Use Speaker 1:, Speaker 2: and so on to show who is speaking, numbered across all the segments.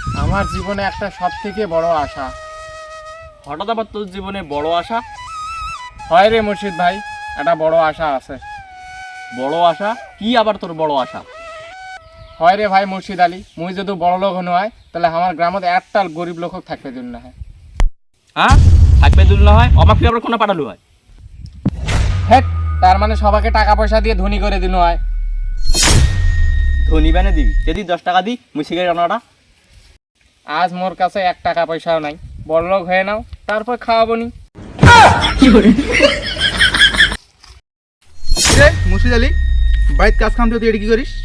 Speaker 1: আমার জীবনে একটা সব থেকে বড় আশা।
Speaker 2: হঠাৎ আবার তোর জীবনে বড় আশা?
Speaker 1: হয় রে মুর্শিদ ভাই, একটা বড় আশা আছে।
Speaker 2: বড় আশা কি আবার তোর বড় আশা?
Speaker 1: হয় রে ভাই মুর্শিদ আলী, মুই যদি বড় লোক হন হয় তাহলে আমার গ্রামত একটা গরিব লোক থাকবে দিন না হয়।
Speaker 2: হ্যাঁ, থাকবে দুল না হয় অমাক আবার কোনো পাঠালু হয়?
Speaker 1: হ্যাঁ, তার মানে সবাইকে টাকা পয়সা দিয়ে ধনী করে দিন হয়।
Speaker 2: ধনী বানে দিবি, যদি 10 টাকা দিই মুই সিগারেট আনাটা।
Speaker 1: আজ মোর কাছে 1 টাকা পয়সাও নাই, বড় লোক হয়ে নাও, তারপর খাওয়াবো নি।
Speaker 3: রে মুর্শিদ আলী, বাড়িতে কাজ কাম তুই এটি কি করিস?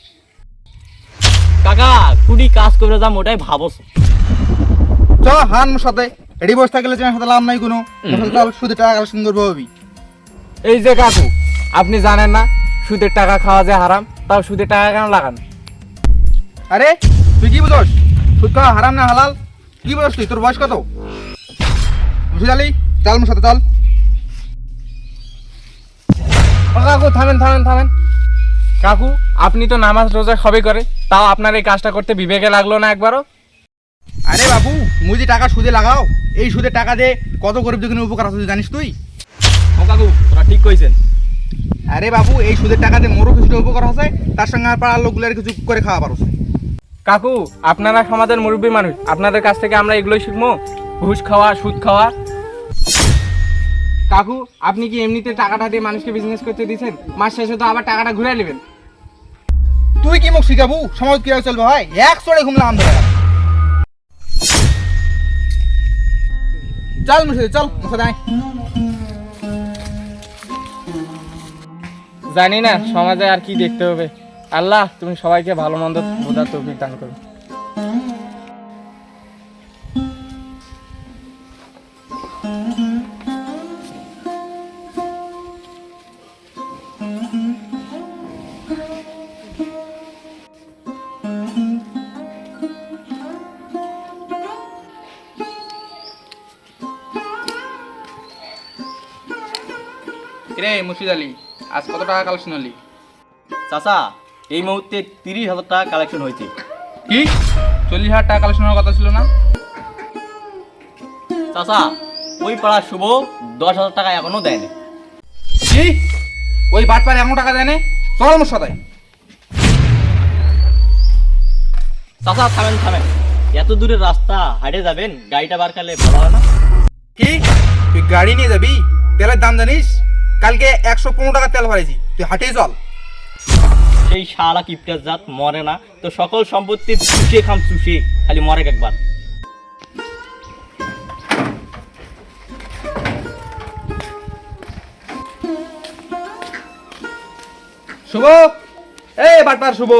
Speaker 2: কাকা কুড়ি কাজ করে যাম ওটাই ভাবছ।
Speaker 3: চ হান মোর সাথে, এটি বসে থাকলে তোমার সাথে লাভ নাই কোনো। মোর সাথে চল, শুধু টাকা কালেকশন করবো হবি।
Speaker 1: এই যে কাকু, আপনি জানেন না সুদের টাকা খাওয়া যে হারাম, তাও সুদের টাকা কেন লাগান?
Speaker 3: আরে তুই কি বুঝোস? সুদ খাওয়া হারাম না হালাল? কি বুঝোস তুই? তোর বয়স কত? মুর্শিদ আলী চল মোর সাথে চল।
Speaker 1: ও কাকু থামেন থামেন থামেন। কাকু, আপনি তো নামাজ রোজা সবই করে, তাও আপনার এই কাজটা করতে বিবেকে লাগলো না একবারও?
Speaker 3: আরে বাবু, মুই যে টাকা সুদে লাগাও, এই সুদের টাকা দিয়ে কত গরিব দুঃখীর উপকার আছে জানিস তুই?
Speaker 2: ও কাকু তোরা ঠিক কইছেন।
Speaker 3: আরে বাবু, এই সুদের টাকা দিয়ে মোরও কিছুটা উপকার আছে, তার সঙ্গে আর পাড়ার লোকগুলোর কিছু করে খাওয়া পারো।
Speaker 1: কাকু, আপনারা সমাজের মুরব্বী মানুষ, আপনাদের কাছ থেকে আমরা এগুলোই শিখবো, ঘুষ খাওয়া, সুদ খাওয়া। কাকু, আপনি কি এমনিতে টাকাটা দিয়ে মানুষকে বিজনেস করতে দিয়েছেন? মাস শেষে তো আবার টাকাটা ঘুরে নেবেন।
Speaker 3: তুই কি মুখ শিখাবু সমাজ কিভাবে চলবে হয়? এক চড়ে ঘুমলাম আমরা। চল মুর্শিদ চল, মুর্শিদ আয়।
Speaker 1: জানি না সমাজে আর কি দেখতে হবে। আল্লাহ তুমি সবাইকে ভালো মন্দ বোঝার তৌফিক দান করো।
Speaker 3: রে মুর্শিদ আলী, আজ কত টাকা কালেকশন হলি?
Speaker 2: চাচা এই মুহূর্তে 30,000 টাকা কালেকশন হয়েছে।
Speaker 3: কি 40,000 টাকা কালেকশন হওয়ার কথা ছিল না?
Speaker 2: চাচা ওই পাড়ার শুভ 10,000 টাকা এখনো দেয়নি।
Speaker 3: কি ওই বাটপার এমন টাকা দেয় না? চল মোর সাথে।
Speaker 2: চাচা থামেন থামেন, এত দূরের রাস্তা হাইটে যাবেন, গাড়িটা বার করলে ভালো হয় না?
Speaker 3: কি তুই গাড়ি নিয়ে যাবি? তেলের দাম জানিস? কালকে 115 টাকা তেল ভরেছি, তুই হাঁটেই চল।
Speaker 2: সেই শালা কিপটার জাত মরে না তো, সকল সম্পত্তি চুষে খাম চুষে, খালি মরে একবার।
Speaker 3: শুভ, এই বাটপার শুভ।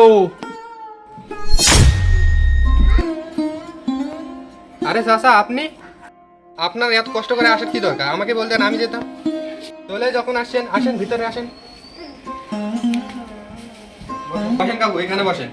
Speaker 4: আরে চাচা, আপনি আপনার এত কষ্ট করে আসার কি দরকার? আমাকে বলতেন, আমি যেতাম। চলে যখন আসছেন, আসেন ভিতরে আসেন। বসেন কাকু, এখানে বসেন।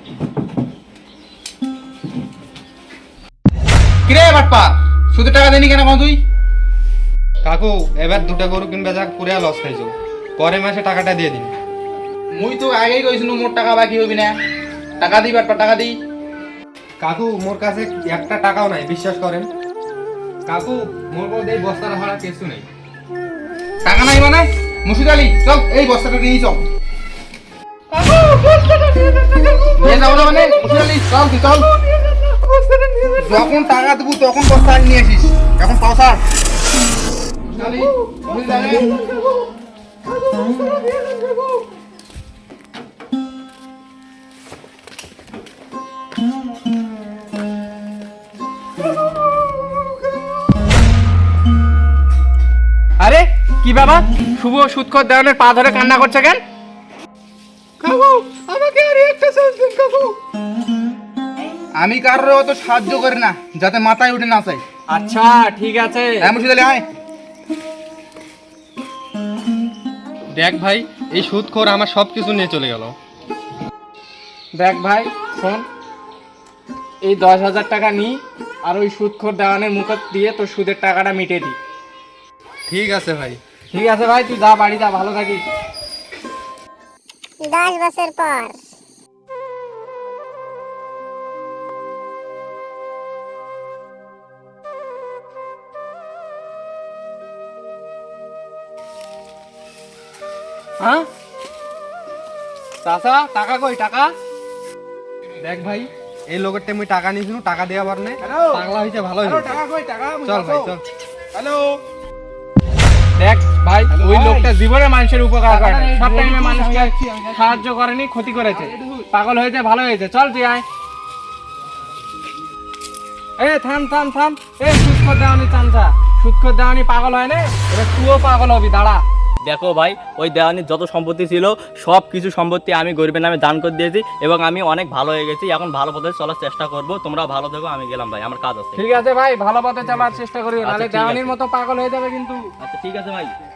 Speaker 3: কিরে বাটপার, সুদের টাকা দেনি কেন তুই?
Speaker 4: কাকু এবার 2টা গরু কিনবে, যা পুরা লস খাইছো, পরের মাসে টাকাটা দিয়ে দিন।
Speaker 3: মুই তো আগেই কইছিনু মোর টাকা বাকি হবি না। টাকা দিই বাটপার, টাকা দিই।
Speaker 4: কাকু মোর কাছে একটা টাকাও নাই, বিশ্বাস করেন। কাকু মোর বলতে এই বস্তার ভাড়া কিছু নেই।
Speaker 3: টাকা নাই মানে? মুর্শিদ আলী চল, এই বস্তাটা নিয়ে চল। নিয়ে যাবো না মানে? মুর্শিদ আলী চল, তুই চল। যখন টাকা দেবো তখন বস্তা নিয়ে আসিস, এখন পয়সা। মুর্শিদ আলী, মুর্শিদ আলী।
Speaker 1: আরে কি বাবা, শুভ সুদখোর দেওয়ানের পা ধরে কান্না করছে কেন?
Speaker 3: কাকু আমাকে আর একটা চান্স দিন কাকু। আমি কারোর অত সাহায্য করি না যাতে মাথায় উঠে না চাই।
Speaker 1: আচ্ছা ঠিক আছে।
Speaker 3: হ্যাঁ মুর্শিদ আলী আয়।
Speaker 4: দেখ ভাই, এই সুদখোর আমার সব কিছু নিয়ে চলে গেল।
Speaker 1: দেখ ভাই শোন, এই 10,000 টাকা নি, আর ওই সুদখোর দেওয়ানের মুখ দিয়ে তোর সুদের টাকাটা মিটিয়ে দি।
Speaker 4: ঠিক আছে ভাই।
Speaker 1: ঠিক আছে ভাই, তুই যা, বাড়ি যা, ভালো থাকিস।
Speaker 5: 10 বছর পর
Speaker 1: হ্যাঁ চাচা টাকা কই টাকা?
Speaker 4: দেখ ভাই, এই লোকের আমি টাকা নিয়েছিল, টাকা দেওয়া পার নাই, পাগলা হয়েছে, ভালো হয়েছে।
Speaker 1: টাকা কই টাকা?
Speaker 4: চল ভাই চল।
Speaker 1: হ্যালো দেখ ভাই, ওই লোকটা জীবনে মানুষের উপকার করে না, সব টাইমে মানুষকে সাহায্য করেনি, ক্ষতি করেছে। পাগল হয়েছে, ভালো হয়েছে, চল তুই আয়। এ থাম থাম থাম, এ সুৎখর দেওয়ানি চামচা, সুৎখর দেওয়ানি পাগল হয় না, এবার তুইও পাগল হবি, দাঁড়া।
Speaker 2: দেখো ভাই, ওই দেওয়ানির যত সম্পত্তি ছিল সব কিছু সম্পত্তি আমি গরিবের নামে দান করে দিয়েছি এবং আমি অনেক ভালো হয়ে গেছি। এখন ভালো পথে চলার চেষ্টা করব, তোমরা ভালো থেকো, আমি গেলাম ভাই, আমার কাজ আছে।
Speaker 1: ঠিক আছে ভাই, ভালো পথে চলার চেষ্টা করি,
Speaker 2: আচ্ছা,
Speaker 1: নাহলে
Speaker 2: ঠিক আছে।
Speaker 1: দেওয়ানির মতো পাগল হয়ে যাবে কিন্তু।
Speaker 2: আচ্ছা ঠিক আছে ভাই।